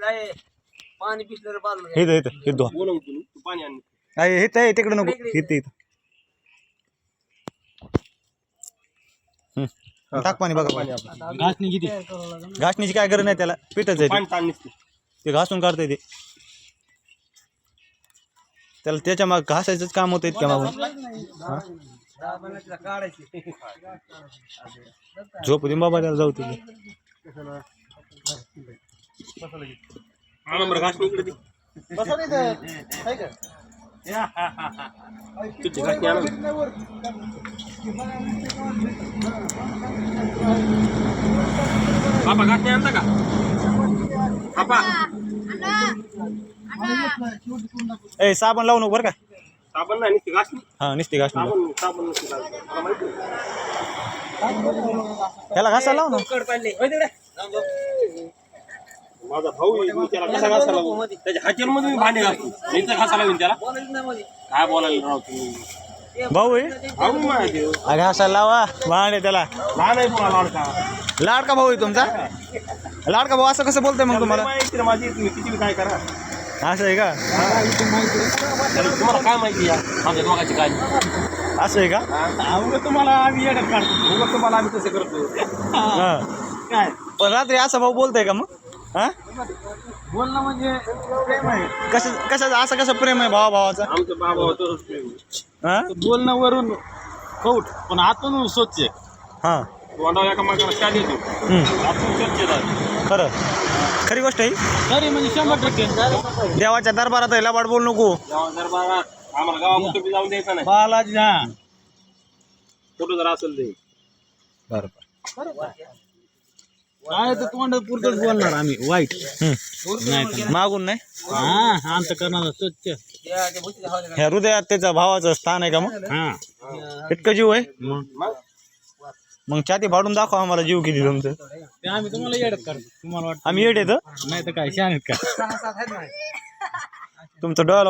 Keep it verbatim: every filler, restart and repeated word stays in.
पाणी पिसलं बाजूला हे इथं हे धुवा पाणी आण आहे हे ते तिकडे नको इथं इथं हम्म टाक पाणी बघा घासणी किती घासणीची काय गरज नाही त्याला पिठच आहे ते. ते घासून काढतंय ते त्याला त्याच्या माग घासायचंच काम होतं इतक्या मागून झोप दे बाबा त्याला जाऊ तुझी बाबा घासणी आणता का बाबा ए साबण लावू नको बरं का साबण नाही नुसती घासणी हा नुसती घासणी साबण साबण नुसती घासणी. मला माहिती त्याला घासायला लाव ना माझा भाऊ आहे, मी त्याला कसा घासायला लावू? त्याच्या हाचेरमध्ये मी भांडे घासतो मी तर घासायला लावीन त्याला काय बोलायला राव तुम्ही भाऊ आहे भाऊ माझे घासायला लावा भांडे त्याला लहान आहे तुम्हाला लाडका लाडका भाऊ आहे तुमचा लाडका भाऊ असं कसं बोलतोय मग तुम्हाला माहिती ना माझी तुम्ही किती काय करा असं आहे का तुम्हाला काय माहिती या माझ्या दोघांची काय असं आहे का अवघं तुम्हाला आम्ही येण्यात काढतो उगाच तुम्हाला आम्ही तसं करतो हा काय पण रात्री असं भाऊ बोलतोय का मग हा बोलणं म्हणजे प्रेम आहे कसं कसं असं कसं प्रेम आहे भावा भावाचं आमचं बाबा तसंच प्रेम हा बोलणं वरून कौट पण आतून स्वच्छ हा तोंडावर एका मागाला शाल येतो हम्म. आतून स्वच्छ खरं खरी गोष्ट आहे खरी म्हणजे शंभर टक्के देवाच्या दरबारात आहे लबाड बोल नको दरबारात आम्हाला गावात कुठे जाऊन द्यायचं नाही बालाजी हा कुठं जर असेल ते बरोबर काय तर तोंड पुरतच बोलणार आम्ही वाईट हम्म. मागून नाही हा अंत करणार स्वच्छ ह्या हृदयात त्याचा भावाचं स्थान आहे का मग हा इतकं जीव आहे मग मग छाती फाडून दाखवा आम्हाला जीव किती तुमचं ते आम्ही तुम्हाला येडत करतो तुम्हाला वाटतं आम्ही येड येतं नाही तर काय शान आहेत का तुमचं डोळा